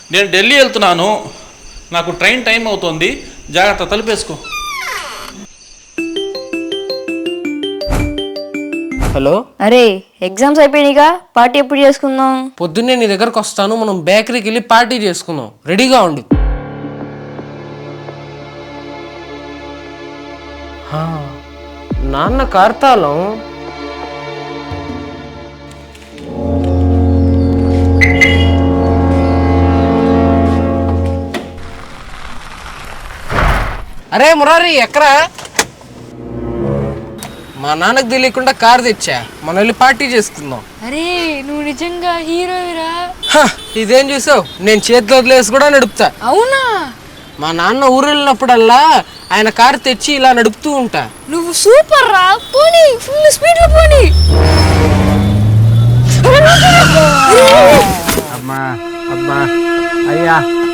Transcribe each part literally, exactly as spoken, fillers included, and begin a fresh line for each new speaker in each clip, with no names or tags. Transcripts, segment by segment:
నేను ఢిల్లీ వెళ్తున్నాను, నాకు ట్రైన్ టైం అవుతుంది, జాగ్రత్త తలుపేసుకో.
హలో.
అరే ఎగ్జామ్స్ అయిపోయినాయిగా, పార్టీ ఎప్పుడు చేసుకుందాం?
పొద్దున్నే నీ దగ్గరకు వస్తాను, మనం బేకరీకి వెళ్ళి పార్టీ చేసుకుందాం. రెడీగా ఉండు. నాన్న కార్తాలం. అరే మురారి ఎక్కరా? మా నాన్నకు తెలియకుండా కార్ తెచ్చా, మనం వెళ్ళి పార్టీ చేసుకుందాం.
అరే నువ్వు నిజంగా హీరోయిరా?
ఇదేం చూసావు, నేను చేతిలో వదిలేసి కూడా నడుపుతా.
అవునా?
మా నాన్న ఊరు వెళ్ళినప్పుడల్లా ఆయన కార్ తెచ్చి ఇలా నడుపుతూ ఉంటా.
నువ్వు సూపర్ రా, పోనీ ఫుల్ స్పీడ్ లో పోనీ.
అమ్మా అమ్మా అయ్యా.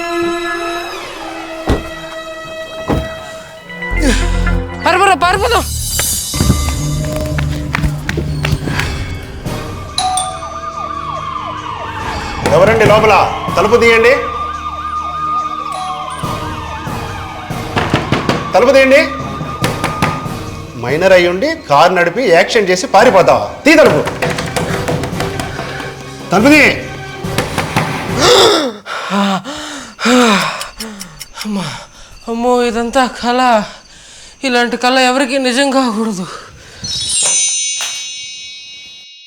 పరపరా పారిపోదాం.
ఎవరండి లోపల? తలుపు తీయండి, తలుపు తీయండి. మైనర్ అయ్యుండి కారు నడిపి యాక్షన్ చేసి పారిపోతావా? తీ తలుపు, తలుపు తీ.
అమ్మో, ఇదంతా కళ. ఇలాంటి కళ ఎవరికి నిజం కాకూడదు.